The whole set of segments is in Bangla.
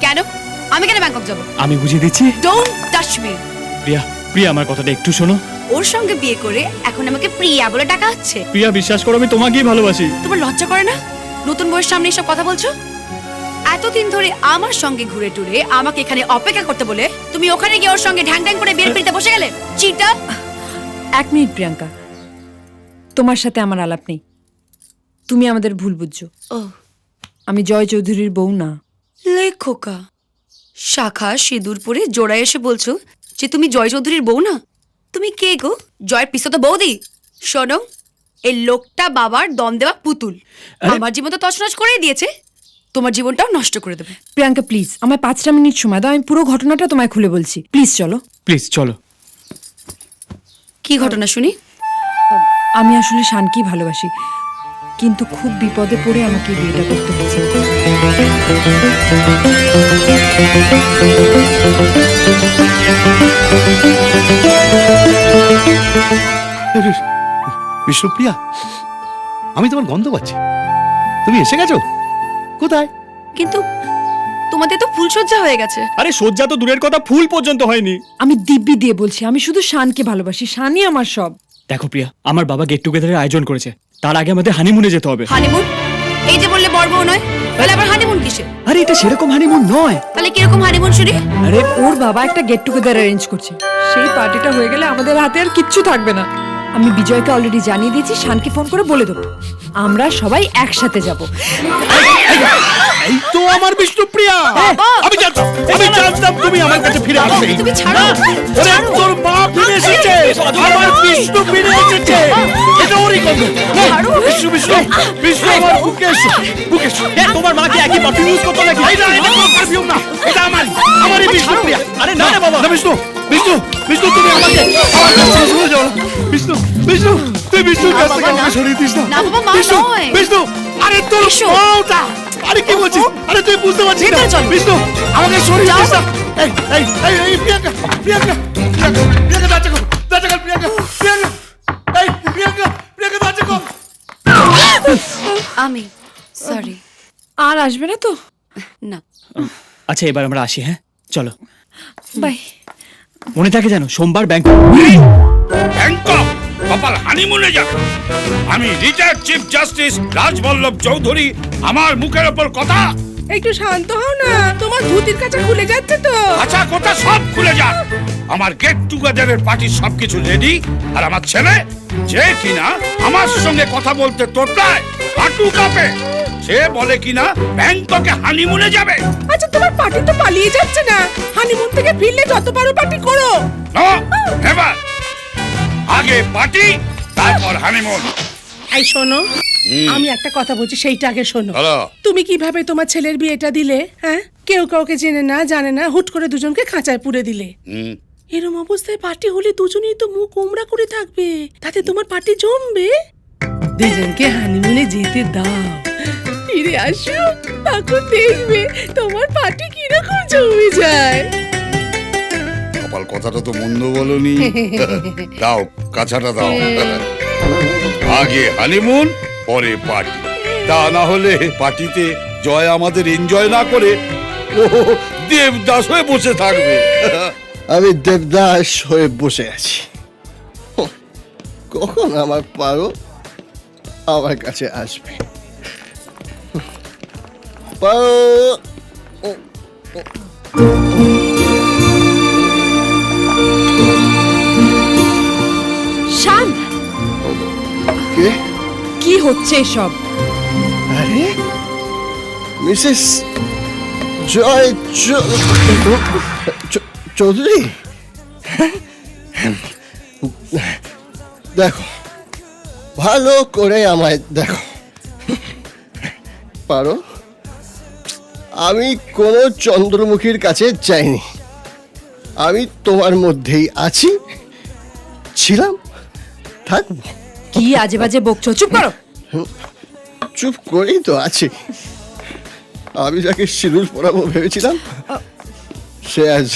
কেন? আমি কেন ব্যাংকক যাব? আমি বুঝিয়ে দিচ্ছি। Don't touch me. Priya, Priya আমার কথাটা একটু শোনো। ওর সঙ্গে বিয়ে করে এখন আমাকে প্রিয়া বলে ডাকা হচ্ছে। প্রিয়া বিশ্বাস করো, আমি তোমাকেই ভালোবাসি। তোমার লজ্জা করে না? নতুন বউয়ের সামনে এসব কথা বলছো? এতদিন ধরে আমার সঙ্গে ঘুরে টুরে আমাকে এখানে অপেক্ষা করতে বলে তুমি ওখানে গিয়ে ওর সঙ্গে ঢ্যাং ঢ্যাং করে বিয়ের পিড়িতে বসে গেলে। চিটা। 1 মিনিট প্রিয়াঙ্কা, তোমার সাথে আমার আলাপ নেই। তুমি আমাদের ভুল বুঝছো। ও আমি জয় চৌধুরীর বউ না। লেখোকা, শাখা সিঁদুর পরে জোড়ায় এসে বলছো যে তুমি জয় চৌধুরীর বউ না? তুমি কে গো? জয়ের পিসো তো বৌদি। শোনো, এই লোকটা বাবার দম দেওয়া পুতুল। আমার জীবন তো তছনছ করেই দিয়েছে, তোমার জীবনটাও নষ্ট করে দেবে। প্রিয়াঙ্কা প্লিজ, আমার 5টা মিনিট সময় দাও, আমি পুরো ঘটনাটা তোমায় খুলে বলছি। প্লিজ চলো। প্লিজ চলো। কি ঘটনা শুনি? আমি আসলে শানকেই ভালোবাসি, কিন্তু খুব বিপদে পড়ে আমাকে এই বিয়েটা করতে হয়েছে। বিষ্ণুপ্রিয়া, আমি তোমার গন্ধ পাচ্ছি। তুমি এসে গেছো? কোথায়? কিন্তু তোমাদের তো ফুলসজ্জা হয়ে গেছে। আরে সজ্জা তো দূরের কথা, ফুল পর্যন্ত হয়নি। আমি দিব্যি দিয়ে বলছি, আমি শুধু শানকে ভালোবাসি। শানই আমার সব। দেখো প্রিয়া, আমার বাবা গেট টুগেদারের আয়োজন করেছে, তার আগে আমাদের হানিমুনে যেতে হবে। হানিমুন? এই যে বললে বর বউ নয়, তাহলে আবার হানিমুন কিসে? আরে এটা সেরকম হানিমুন নয়। তাহলে কিরকম হানিমুন শুনি? আরে ওর বাবা একটা গেট টুগেদার অ্যারেঞ্জ করছে, সেই পার্টিটা হয়ে গেলে আমাদের হাতে আর কিচ্ছু থাকবে না। আমি বিজয়কে অলরেডি জানিয়ে দিয়েছি, শানকে ফোন করে বলে দেবো আমরা সবাই একসাথে যাব। এই তো আমার বিষ্ণুপ্রিয়া। আমি জানতাম তুমি আমার কাছে ফিরে আসবে। তুমি ছাড়ো। ওরে তোর মা ফিরে এসেছে, আমার বিষ্ণু ফিরে এসেছে। এটা ওরই গন্ধ। বিষ্ণু বিষ্ণু বিষ্ণু, আমার বুকে এসো, বুকে এসো। তোমার মা কি একই পারফিউম ইউজ করতো নাকি? এটা কোনো পারফিউম না, এটা আমারই বিষ্ণুপ্রিয়া। আরে না না বাবা। না বিষ্ণু, বিষ্ণু বিষ্ণু, তুমি আমাকে আমার কাছ থেকে সরে যাও না। বিষ্ণু বিষ্ণু, তুই বিষ্ণুর কাছ থেকে আমাকে সরিয়ে দিস না। না বাবা, মা বিষ্ণু নয়। বিষ্ণু, আরে তোর বউটা। আরে কি বলছিস? আরে তুই বুঝতে পারছিস না? ভেতরে চলো। বিষ্ণু, আমাকে সরিয়ে দিস না। এই এই এই এই প্রিয়াঙ্কা, প্রিয়াঙ্কা প্রিয়াঙ্কা, প্রিয়াঙ্কা দাঁড়া কর, দাঁড়া কর প্রিয়াঙ্কা, প্রিয়াঙ্কা, এই প্রিয়াঙ্কা, প্রিয়াঙ্কা দাঁড়া কর। আমি সরি। আর আসবে না তো? না। আচ্ছা এবার আমরা আসি, হ্যাঁ চলো। বাই। মনে থাকে জানো, সোমবার ব্যাংক। ব্যাংকক কপাল হানিমুনে যাবে। আমি retired chief justice Rajballabh Chowdhury, আমার মুখের ওপর কথা। একটু শান্ত হও না, তোমার ধুতির কাছে খুলে যাচ্ছে তো। আচ্ছা কথা সব খুলে যাক। আমার গেট টুগেদারের পার্টির সবকিছু রেডি, আর আমার ছেলে যে কিনা আমার সঙ্গে কথা বলতে তোতলায়, হাঁটু কাঁপে, সে বলে কিনা ব্যাংককে হানিমুনে যাবে। আচ্ছা তোমার পার্টি তো পালিয়ে যাচ্ছে না, হানিমুন থেকে ফিরলে যত পারো পার্টি করো। নো নেভার, আগে পার্টি তারপর হানিমুন। এই শোনো, আমি একটা কথা বলছি, সেইটা আগে শোনো। হ্যালো। তুমি কিভাবে তোমার ছেলের বিয়েটা দিলে? হ্যাঁ, কেউ কাউকে জেনে না জানে না, হুট করে দুজনকে খাঁচায় পুরে দিলে। এরম অবস্থায় পার্টি হলে দুজনেই তো মুখ উমরা করে থাকবে, তাতে তোমার পার্টি জমবে। দুজনকে হানিমুনে যেতে দাও, ফিরে আসো, তখন দেখবে তোমার পার্টি কিরকম জমে যায়। কপাল কথাটা তো মন্দ বলনি। দাও কাছাটা দাও। আগে হানিমুন পরে পার্টি, তা না হলে পার্টিতে জয় আমাদের এনজয় না করে ও দেবদাস হয়ে বসে থাকবে। আমি দেবদাস হয়ে বসে আছি। কখন আমার পারো আমার কাছে আসবে? পারো। শান, কে? কি হচ্ছে এসব? আরে মিসেস জয় চৌধুরী, দেখো ভালো করে আমায় দেখো। পারো, আমি কোনো চন্দ্রমুখীর কাছে যাইনি। আমি তোমার মধ্যেই আছি, ছিলাম, থাকবো। কি আজে বাজে বকছো? চুপ করো। চুপ করেই তো আছি। আমি যাকে সিঁদুর পরাবো ভেবেছিলাম সে আজ।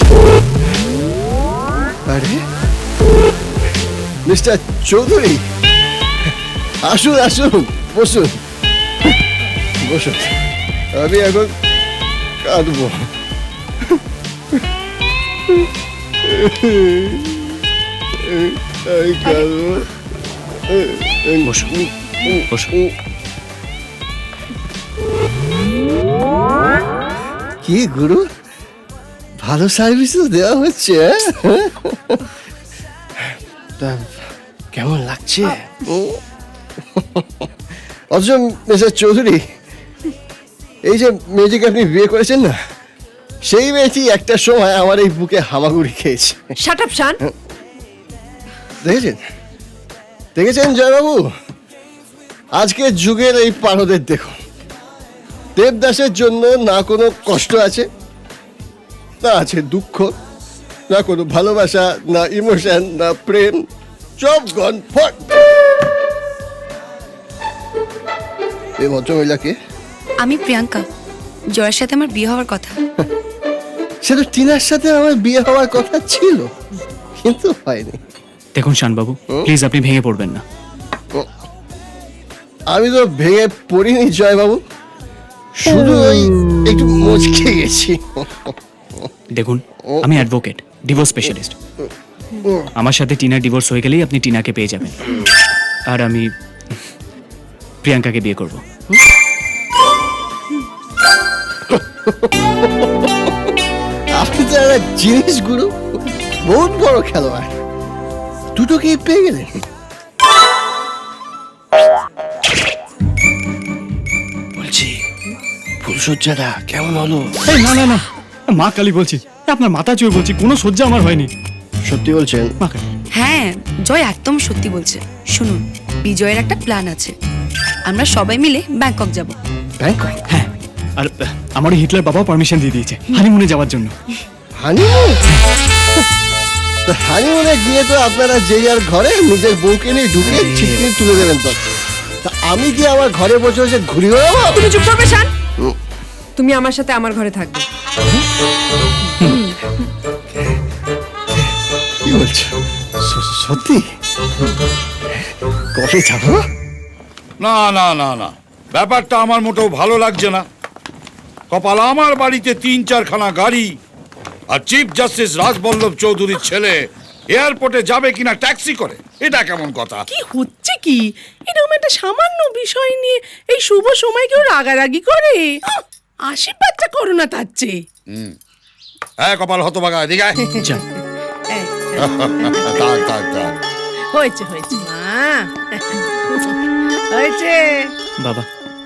আরে মিস্টার চৌধুরী, আসুন আসুন, বসুন বসুন। আমি এখন কাঁদবো। আমি কাঁদবো। বসো বসো। কি গুরু, ভালো সার্ভিস দেওয়া হচ্ছে, হ্যাঁ? তা কেমন লাগছে? অথচ মিস্টার চৌধুরী, এই যে মেয়েটিকে আপনি বিয়ে করেছেন না, সেই মেয়েটি একটা সময় আমার এই বুকে হামাগুড়ি খেয়েছে। Shut up Shaan. দেখেছেন দেখেছেন জয়বাবু, আজকের যুগের এই পারদের দেখুন, দেবদাসের জন্য না কোনো কষ্ট আছে, না আছে দুঃখ, না কোনো ভালোবাসা, না ইমোশন, না প্রেম, সব গন ফট। এই ভদ্রমহিলাকে, আমি প্রিয়াঙ্কা, জয়ের সাথে আমার বিয়ে হওয়ার কথা। সে তো টিনার সাথে আমার বিয়ে হওয়ার কথা ছিল, কিন্তু হয়নি। দেখুন শানবাবু, প্লিজ আপনি ভেঙে পড়বেন না। আমি তো ভেঙে পড়িনি জয়বাবু, শুধু ওই একটু মুচকে গেছি। দেখুন, আমি অ্যাডভোকেট, ডিভোর্স স্পেশালিস্ট। আমার সাথে টিনার ডিভোর্স হয়ে গেলেই আপনি টিনাকে পেয়ে যাবেন, আর আমি প্রিয়াঙ্কাকে বিয়ে করব। আপনি তো একটা জিনিস গুরু, বহুত বড় খেলোয়াড়, দুটোকেই পেয়ে গেলেন। বলছি, ফুলসজ্জাটা কেমন হলো? এই না না না, মা কালী বলছি, আপনার মাথা চুয়ে বলছি, কোনো সহ্যা আমার হয়নি। সত্যি বলছেন? মা কালী। হ্যাঁ, জয় একদম সত্যি বলছে। শুনুন, বিজয়ের একটা প্ল্যান আছে, আমরা সবাই মিলে ব্যাংকক যাব। ব্যাংকক? হ্যাঁ, আর আমার হিটলার বাবাও পারমিশন দিয়ে দিয়েছে হানিমুনে যাওয়ার জন্য। হানিমুন? তো হানিমুনে গিয়ে তো আপনারা যে যার ঘরে নিজের বউকে নিয়ে ঢুকে ছিটকিনি তুলে দেবেন। তো তা আমি কি আমার ঘরে বসে বসে ঘুরি বেড়াবো? তুমি চুপ করবে শান। তুমি আমার সাথে আমার ঘরে থাকবে। কি বলছো? সত্যি? কবে যাবো? না না না না, ব্যাপারটা আমার মোটেও ভালো লাগছে না। কপাল, আমার বাড়িতে 3-4খানা গাড়ি, আর চিফ জাস্টিস রাজবল্লভ চৌধুরীর ছেলে এয়ারপোর্টে যাবে কিনা ট্যাক্সি করে, এটা কেমন কথা? কি হচ্ছে কি? এরকম একটা সামান্য বিষয় নিয়ে এই শুভ সময় কেউ রাগারাগি করে? আশীর্বাদটা করো না তার চেয়ে। হ্যাঁ কপাল, হতভাগা, এদিকে আয়। যা, এই, থাক থাক থাক। হয়েছে হয়েছে মা, হয়েছে। বাবা।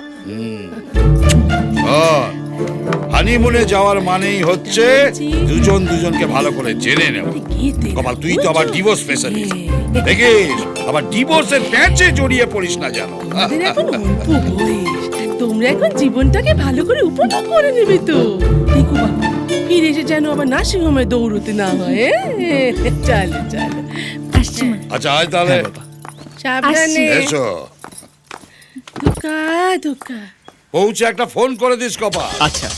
হানিমুনে যাওয়ার মানেই হচ্ছে দুজন দুজনকে ভালো করে জেনে নেওয়া। কপাল, তুই তো আবার ডিভোর্স স্পেশালিস্ট, দেখিস আবার ডিভোর্সের প্যাঁচে জড়িয়ে পড়িস না যেন। তোমাদের এখন অল্প বয়স, তোমরা এখন জীবনটাকে ভালো করে উপভোগ করে নেবে তো। দেখো বাবা, ফিরে এসে যেন আবার নার্সিং হোমে দৌড়তে না হয়। চলো চলো, আসছি মা। আচ্ছা আয় তাহলে, হ্যাঁ বাবা। সাবধানে এসো। ধোকা ধোকা। পৌঁছে একটা ফোন করে দিস কপাল। আচ্ছা।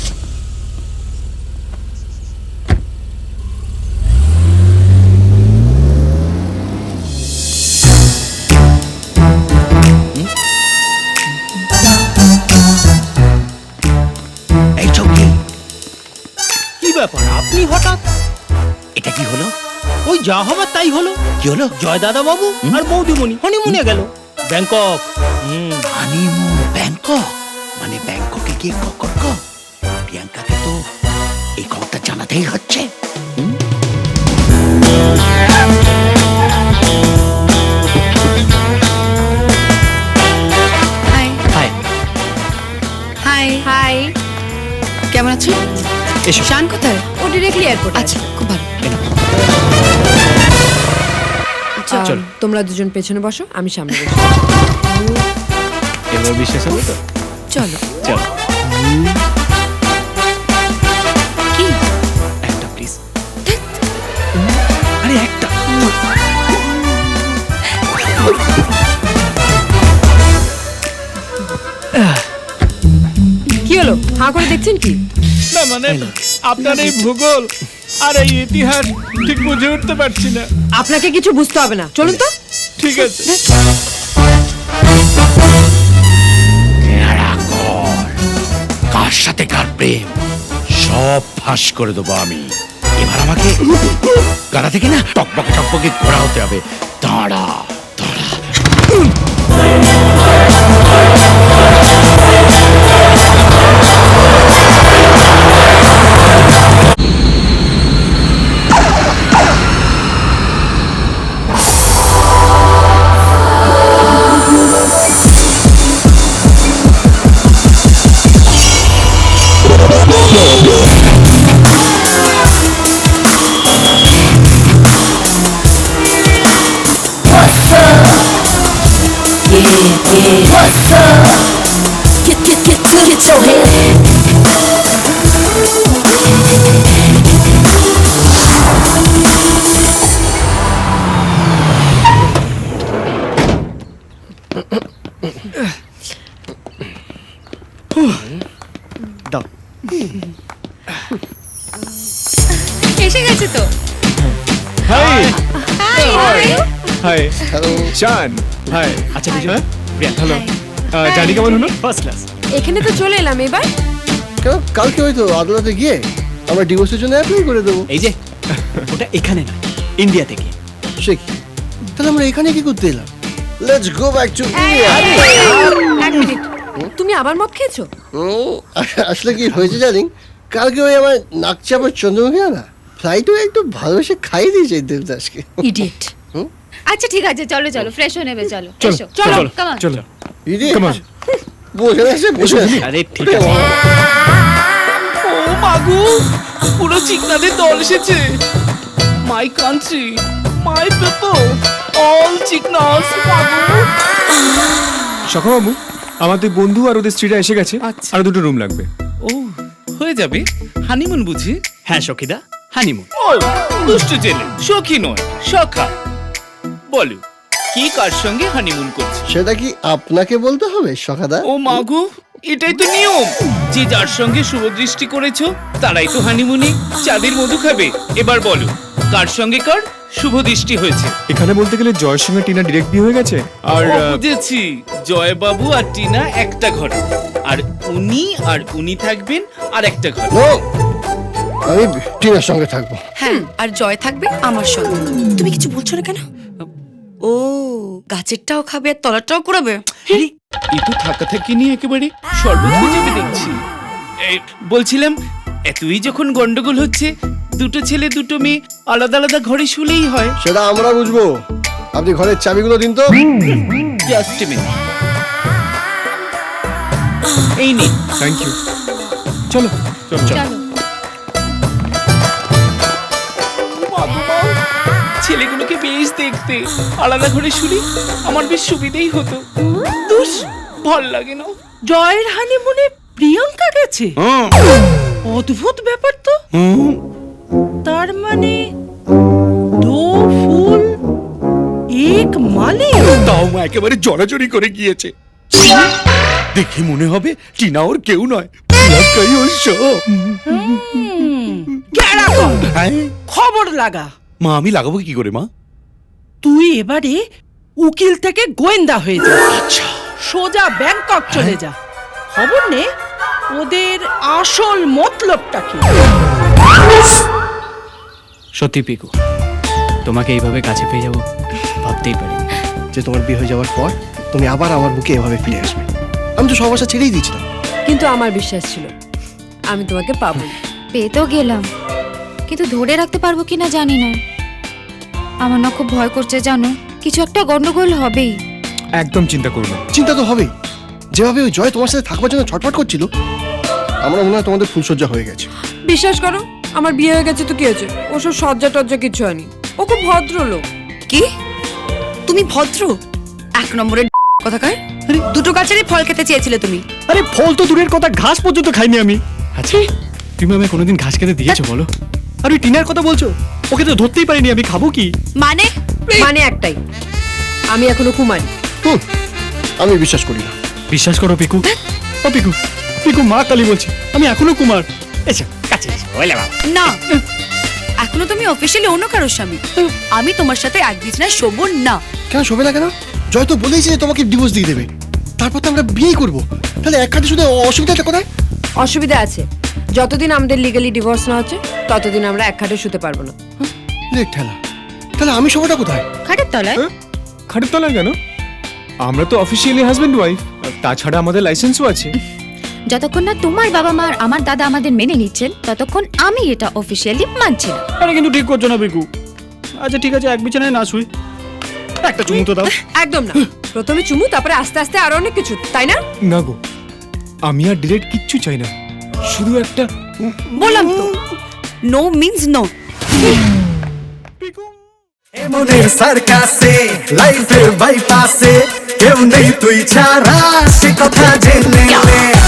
এই চৌকি, কি ব্যাপার আপনি হঠাৎ? এটা কি হলো? ওই যা হবার তাই হলো। কি হলো? জয় দাদা বাবু আর বৌদিমণি হনিমুনে গেল ব্যাংকক। Honeymoon Bangkok? মানে ব্যাংককে গিয়ে প্রিয়াঙ্কাকে তো এই খবরটা জানাতেই হচ্ছে। Hi hi. Hi hi. কেমন আছো? এসো। শান কোথায়? ও ডিরেক্টলি এয়ারপোর্ট। আচ্ছা, খুব ভালো। চলো। তোমরা দুজন পেছনে বসো, আমি সামনে বসি। এবার বিশ্বাস হবে তো? চলো। চলো। কি? একটা প্লিজ। আরে একটা। কি হলো? হাঁ করে দেখছেন কি? না মানে আপনার এই ভূগোল আর এই ইতিহাস ঠিক বুঝে উঠতে পারছি না। আপনাকে কিছু বুঝতে হবে না, চলুন তো। ঠিক আছে। কার সাথে কার প্রেম সব সব ফাঁস করে দেবো আমি। এবার আমাকে গাড়া থেকে না টকবকে টকবকে ঘোরা হতে হবে। দাঁড়া দাঁড়া। এসে গেছে তো। Hi hello Shaan, hi. আচ্ছা বিজয়, প্রিয়াঙ্কা, হ্যালো। জানি কেমন হলো? First class. এখানে তো চলে এলাম এবার। কেন কালকে হয়তো আদালতে গিয়ে আমরা ডিভোর্সের জন্য অ্যাপ্লাই করে দেবো। এই যে ওটা এখানে না, ইন্ডিয়া থেকে। সে কি? তাহলে আমরা এখানে কি করতে এলাম? Let's go back to India. এক মিনিট, তুমি আবার মদ খেয়েছো? আসলে কি হয়েছে জানি, কালকে ওই আমার নাক চাপার চন্দ্রমুখী না ফ্লাইটও একটু ভালোবেসে খাইয়ে দিয়েছে দেবদাসকে। ইডিয়েট। আচ্ছা ঠিক আছে, চলো চলো, ফ্রেশ হয়ে নেবে, চলো এসো, চলো come on. চলো। ইডিয়েট বসে আছে বসে। আরে ঠিক আছে। ও মাগু, পুরো চিকনাদের দল এসেছে। My country, my people, all চিকনাস মাগু। সখাবাবু, আমার দুই বন্ধু আর ওদের স্ত্রীরা এসে গেছে। আচ্ছা। আর দুটো রুম লাগবে। ও হয়ে যাবে। হানিমুন বুঝি? হ্যাঁ সখিদা, হানিমুন। ও দুষ্টু ছেলে, সখী নয় সখা। বলো কি কার সঙ্গে হানিমুন করছে? সেটা কি আপনাকে বলতে হবে সখাদা? ও মাগু, এটাই তো নিয়ম। যে যার সঙ্গে শুভ দৃষ্টি করেছো তারাই তো হানিমুনে চাঁদের মধু খাবে। এবার বলো কার সঙ্গে কার শুভ দৃষ্টি হয়েছে? এখানে বলতে গেলে জয়ের সঙ্গে টিনা ডিরেক্ট বিয়ে হয়ে গেছে। আর ও, বুঝেছি। জয়বাবু আর টিনা একটা ঘরে, আর উনি থাকবেন আর একটা ঘরে। নো, আমি টিনার সঙ্গে থাকবো। হ্যাঁ, আর জয় থাকবে আমার সঙ্গে। তুমি কিছু বলছো না কেন? ও, গাছেরটাও খাবে আর তলারটাও করাবে? এই তো থাকা থাকি নিয়ে একেবারে শরবত হয়ে যাবে দেখছি। এই, বলছিলাম এতই যখন গন্ডগোল হচ্ছে, দুটো ছেলে দুটো মেয়ে আলাদা আলাদা ঘরে শুলেই হয়। সেটা আমরা বুঝবো। আপনি ঘরের চাবিগুলো দিন তো। Just a minute. এই নিন। Thank you. চলো চলো চলো। ছেলেগুলোকে বেশ দেখতে, আলাদা ঘরে শুলি আমার বেশ সুবিধেই হতো। দুস ভাল লাগে না। জয়ের হানিমুনে প্রিয়াঙ্কা গেছে? অদ্ভুত ব্যাপার তো। তার মানে দো ফুল এক মালে। তাও মা একেবারে জড়াজড়ি করে গিয়েছে। দেখে মনে হবে টিনা ওর কেউ নয়, প্রিয়াঙ্কাই ওর সব। গেরা কর, হ্যাঁ খবর লাগা। মা, আমি লাগাবো কি করে মা? তুই এবারে উকিল থেকে গোয়েন্দা হয়ে যা। সোজা ব্যাংকক চলে যা, খবর নে ওদের আসল মতলবটা কি। সত্যি পিকু, তোমাকে এইভাবে কাছে পেয়ে যাবো ভাবতেই পারি। যে তোমার বিয়ে হয়ে যাওয়ার পর তুমি আবার আমার বুকে এভাবে ফিরে আসবে। আমি তো সব আশা ছেড়েই দিয়েছিলাম। কিন্তু আমার বিশ্বাস ছিল আমি তোমাকে পাবো। পেয়ে তো গেলাম, কিন্তু ধরে রাখতে পারবো কিনা জানি না। আমার না খুব ভয় করছে জানো, কিছু একটা গন্ডগোল হবেই। একদম চিন্তা করো না। চিন্তা তো হবেই। যেভাবে ওই জয় তোমার সাথে থাকবার জন্য ছটফট করছিল, আমার মনে হয় তোমাদের ফুলসজ্জা হয়ে গেছে। বিশ্বাস করো, আমার বিয়ে হয়ে গেছে তো কি হয়েছে? ওসব সজ্জা টজ্জা কিছু হয়নি। ও খুব ভদ্র লোক। কি? তুমি ভদ্র? এক নম্বরের কথাকার। দুটো গাছেরই ফল খেতে চেয়েছিলে তুমি। আরে ফল তো দূরের কথা, ঘাস পর্যন্ত খাইনি আমি। আচ্ছা, তুমি আমায় কোনোদিন ঘাস খেতে দিয়েছো বলো? আর ওই টিনার কথা বলছো, ওকে তো ধরতেই পারিনি, আমি খাবো কি? মানে মানে একটাই, আমি এখনো কুমারী। আমি বিশ্বাস করি না। বিশ্বাস করো পিকু। ও পিকু, পিকু মা কালী বলছি, আমি এখনো কুমার। এসো কাছে এসো, ওলে বাবা। না, এখনো তুমি অফিসিয়ালি অন্য কারোর স্বামী। আমি তোমার সাথে এক বিছানায় শোবো না। কেন শোবে না কেন? জয় তো বলেইছে যে তোমাকে ডিভোর্স দিয়ে দেবে, তারপর তো আমরা বিয়ে করবো। তাহলে এক খাতে শুধু অসুবিধাটা কোথায়? অসুবিধা আছে, যতদিন আমাদের লিগালি ডিভোর্স না হচ্ছে ততদিন আমরা এক খাটে শুতে পারবো না। লেট ঠেলা, তাহলে আমি শোবটা কোথায়? খাটের তলায়। খাটের তলায় কেন? আমরা তো অফিসিয়ালি হাজবেন্ড ওয়াইফ, তাছাড়া আমাদের লাইসেন্সও আছে। যতক্ষণ না তোমার বাবা মা আর আমার দাদা আমাদের মেনে নিচ্ছেন ততক্ষণ আমি এটা অফিসিয়ালি মানছি না। আরে কিন্তু ঠিক করছো না বিকু। আচ্ছা ঠিক আছে, এক বিছানায় না শুই, একটা চুমু তো দাও। একদম না, প্রথমে চুমু, তারপরে আস্তে আস্তে আরো অনেক কিছু, তাই না? না গো, আমি আর ডিরেক্ট কিচ্ছু চাই না, শুধু একটা বললাম তো, নো মিন্স নো। মনের সার্কাসে লাইফের বাইপাসে কেউ নেই তুই ছাড়া, সে কথা জেনে নে।